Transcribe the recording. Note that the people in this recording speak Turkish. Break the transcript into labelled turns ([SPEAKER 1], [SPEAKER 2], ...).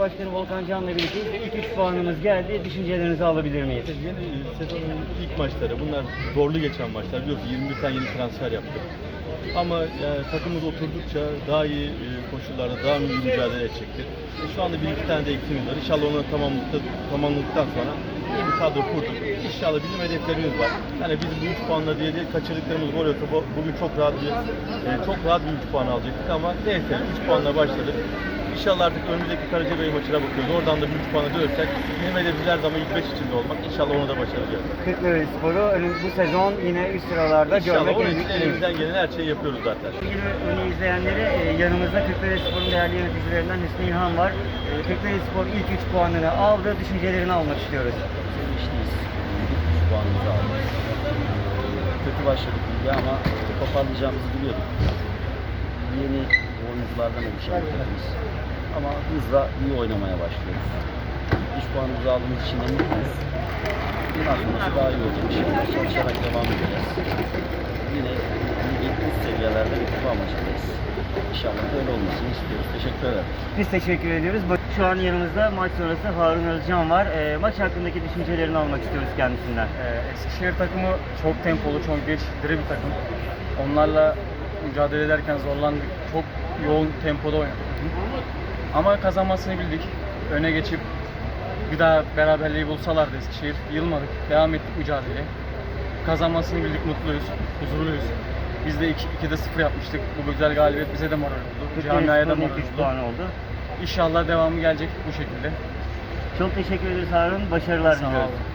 [SPEAKER 1] Başkanı Volkan Can'la birlikte ilk 3 puanımız geldi. Düşüncelerinizi alabilir miyiz?
[SPEAKER 2] Yeni sezonun ilk maçları, bunlar zorlu geçen maçlar. Biliyorsun 21 tane yeni transfer yaptık. Ama takımımız oturdukça daha iyi koşullarda daha iyi mücadele edecektir. Şu anda bir iki tane de eksiğimiz var. İnşallah onu tamamladıktan sonra iyi bir kadro kurduk. İnşallah bizim hedeflerimiz var. Yani biz bu 3 puanla diye kaçırdıklarımız gol yoksa bugün çok rahat bir 3 puan alacaktık ama neyse 3 puanla başladık. İnşallah artık önümüzdeki Karacabey maçına bakıyoruz. Oradan da bir 3 puana dönersek bizim hedefimiz her zaman ilk 5 içinde olmak. İnşallah onu da başaracağız.
[SPEAKER 1] Kırklarelispor'u bu sezon yine üst sıralarda
[SPEAKER 2] İnşallah
[SPEAKER 1] görmek
[SPEAKER 2] onun için elimizden gelen her şeyi yapıyoruz zaten.
[SPEAKER 1] Sevgili Önü izleyenleri, yanımızda Kırklarelispor'un değerli yöneticilerinden Hüsnü İlhan var. Kırklarelispor ilk 3 puanını aldı. Düşüncelerini almak istiyoruz.
[SPEAKER 3] Sevinçliyiz. 3 puanımızı aldık. Kötü başladık ligi ama toparlayacağımızı biliyorduk. Yeni oyunculardan oluşan bir takımız. Ama hızla iyi oynamaya başlıyoruz. 3 puanımızı aldığımız için de mutluyuz. Bundan sonrası daha iyi olacak. Şimdi çalışarak devam edeceğiz. Yine ligin üst seviyelerde bir kupa amacındayız. İnşallah böyle olmasını istiyoruz. Teşekkür ederim.
[SPEAKER 1] Biz teşekkür ediyoruz. Şu an yanımızda maç sonrası Harun Özcan var. Maç hakkındaki düşüncelerini almak istiyoruz kendisinden.
[SPEAKER 4] Eskişehir takımı çok tempolu, çok diri bir takım. Onlarla mücadele ederken zorlandık. Çok yoğun tempoda oynadık. Ama kazanmasını bildik. Öne geçip bir daha beraberliği bulsalardı Eskişehir. Yılmadık. Devam ettik mücadeleye. Kazanmasını bildik. Mutluyuz. Huzurluyuz. Biz de 2'de 0 yapmıştık. Bu güzel galibiyet bize de moral oldu. Camiaya da
[SPEAKER 1] Kırklarelispor'un
[SPEAKER 4] moral
[SPEAKER 1] ilk 3
[SPEAKER 4] oldu.
[SPEAKER 1] puanı oldu.
[SPEAKER 4] İnşallah devamı gelecek bu şekilde.
[SPEAKER 1] Çok teşekkür ederiz Harun. Başarılar
[SPEAKER 4] Sağ
[SPEAKER 1] diliyoruz.
[SPEAKER 4] olun.